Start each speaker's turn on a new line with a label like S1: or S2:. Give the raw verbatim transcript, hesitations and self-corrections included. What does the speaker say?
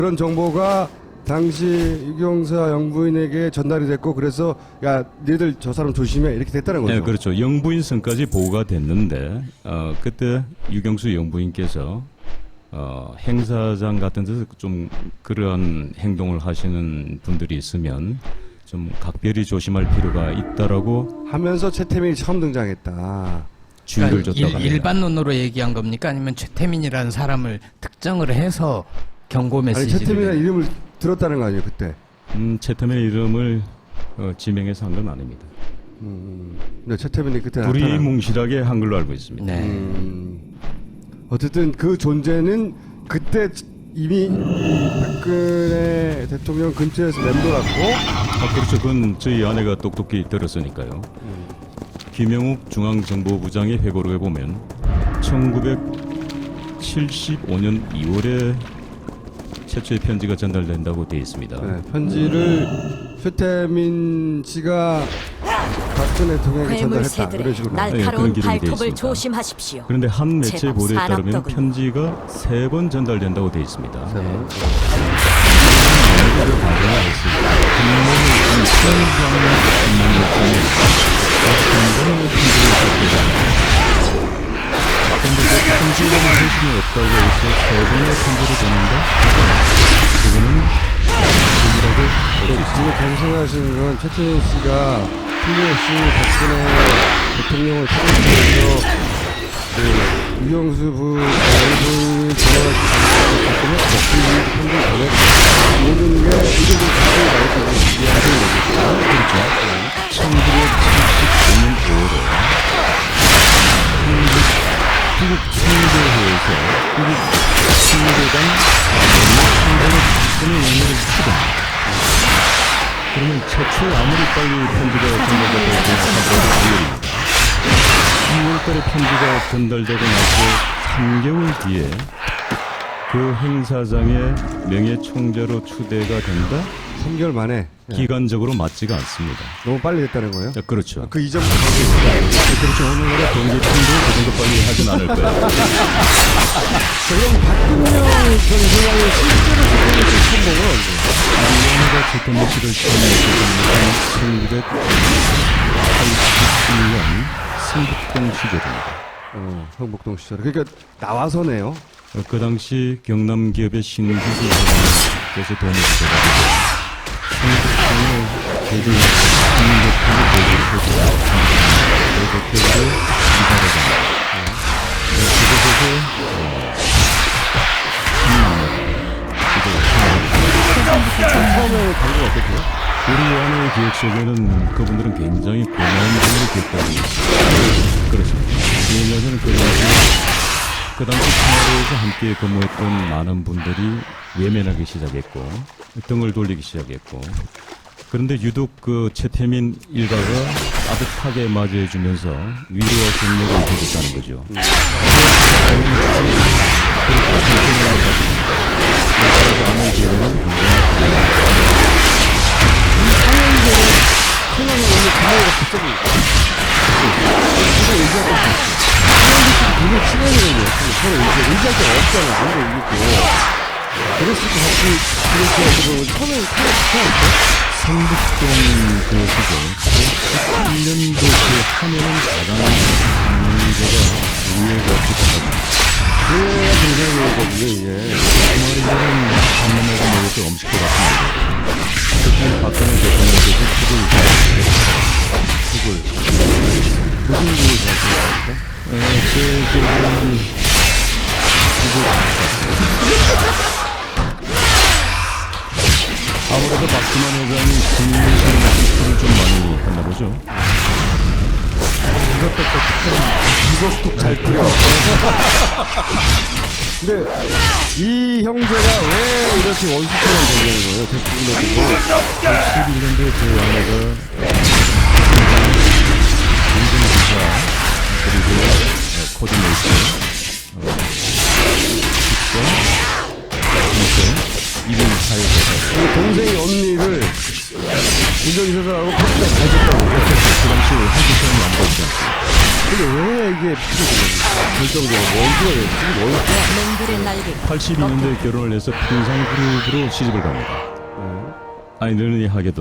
S1: 그런 정보가 당시 유경사 영부인에게 전달이 됐고 그래서 야 니들 저 사람 조심해 이렇게 됐다는 거죠.
S2: 네, 그렇죠. 영부인 선까지 보고가 됐는데 어, 그때 유경수 영부인께서 어, 행사장 같은 데서 좀 그러한 행동을 하시는 분들이 있으면 좀 각별히 조심할 필요가 있다라고
S1: 하면서 최태민이 처음 등장했다.
S2: 주의를
S3: 그러니까
S2: 줬다고
S3: 일,
S2: 합니다.
S3: 일반론으로 얘기한 겁니까? 아니면 최태민이라는 사람을 특정을 해서 경고
S1: 아니
S3: 메시지를
S1: 최태민이라는 이름을 들었다는 거 아니에요 그때.
S2: 음, 최태민의 이름을 어, 지명해서 한 건 아닙니다.
S1: 음, 근데 최태민이 그때
S2: 불이
S1: 나타나.
S2: 뭉실하게 한 걸로 알고 있습니다.
S3: 네.
S1: 음, 어쨌든 그 존재는 그때 이미 이 박근혜 대통령 근처에서 맴돌았고.
S2: 아, 그렇죠. 그건 저희 아내가 똑똑히 들었으니까요. 김영욱 중앙정보부장의 회고록에 보면 천구백칠십오 년 이월에 최초의 편지가 전달된다고 되어 있습니다.
S1: 네, 편지를 최태민 씨가 박근혜 대통령에게 전달했다. 그런
S4: 괴물새들의
S1: 식으로.
S2: 네,
S4: 날카로운
S2: 그런 기록이 되어
S4: 발톱을
S2: 있습니다.
S4: 조심하십시오.
S2: 그런데 한 매체
S4: 제법
S2: 보도에 따르면
S4: 사납더군요.
S2: 편지가 세 번 전달된다고 되어 있습니다.
S1: 세 번.
S2: 이를 발견을 했습니다. 국민의 수행자는 국민의 중에 어떤 편지를 받게 그런데 그 편지에는 소신이 없다고 해서 세 번의 편지를 보낸다? 그거는 아니라고
S1: 지금 계속 생각하시는 건 최태민 씨가 틀림없이 박근혜 대통령을 타겟해서 그 유경수 부 장관이 전화를 받으면 박근혜 편지를 보냈고 모든 게 이들도 자세히 말해주고 이해하시는 거겠죠.
S2: 그렇죠. 천구백칠십오 년 오월에 한국 한국 청교회에서 한국 청교당 청교의 박근혜 영향을 추구합니다. 그러면 최초에 아무리 빨리 편지가 전달되고 하더라도 이월입니다. 이월 달에 편지가 전달되고 나서 삼 개월 뒤에 그 행사장의 명예총재로 추대가 된다?
S1: 삼 개월 만에 예.
S2: 기간적으로 맞지가 않습니다.
S1: 너무 빨리 됐다는 거예요.
S2: 자, 그렇죠.
S1: 그 이전부터 그렇게 있었다.
S2: 그렇죠. 오늘날의 경제팀도 그 정도 빨리 하진 않을 거예요.
S1: 그럼 박근영 전 회장이 실제로 최태민 씨 처음 본건 언제?
S2: 이원호가 최태민 씨를 처음 천구백팔십칠 년 승북동 시절입니다.
S1: 어, 성북동 시절. 그러니까 나와서네요.
S2: 어, 그 당시 경남 기업의 신기술 회장께서 도움을 주셔가지고 성북동의 대중 국민대표를 모집을 해주고 그 대표로 이사를 합니다. 그곳에서
S1: 처음에 방금 어땠고요?
S2: 우리 아내의 기억 속에는 그분들은 굉장히 고마운 분으로 기억하고 있습니다. 그렇습니다. 왜냐하면 그 당시, 그 당시 청와대에서 함께 근무했던 많은 분들이 외면하기 시작했고, 등을 돌리기 시작했고, 그런데 유독 그 최태민 일가가 따뜻하게 맞이해주면서 위로와 격려를 해줬다는 거죠. 그리고 최태민을 가지고 아내의 기억에는
S1: 생각이 오늘 가요가 갑자기 서로 의지할 수 있어. 사람들끼리 되게 친해지는 거예요. 서로 의지, 의지할 데가 없잖아. 아무도 있고. 그랬을 때 같이 이렇게 해서 처음에 서로 좋아했죠?
S2: 성북동 그 시절 십칠 년도 그 하면은 가장 문제가 우회가 깊어가지고
S1: 그래야 굉장히 거거든요, 이게.
S2: 주말이면은 한남매가 모여서 음식도 같은 거죠. 그때 박근혜 대통령께서 죽을 죽을
S1: 무슨 일을 잘하셨습니까?
S2: 에, 제 기억에는 죽을 아무래도 박수만 회장이 국민의힘을 좀 많이 했나 보죠.
S1: 이것도 또 이것도 잘 풀려. 근데 이 형제가 왜 이렇게 원수처럼 되는 거예요? 대통령도
S2: 십일 년도에 제 아내가 인증기사 그리고 코디네이터 직접 직접 이분 사회에서
S1: 동생이 언니를 운전기사들하고 커피가 잘 줬다고.
S2: 그 당시 한국 사람이 안 보이지 않습니까?
S1: 근데 왜 이게 필요해요? 결정적으로 원수가 왜 지금 원수야?
S4: 맹들의 날개가
S2: 팔십이 년도에 결혼을 해서 평상 그룹으로 시집을 갑니다.
S1: 네.
S2: 아이러니하게도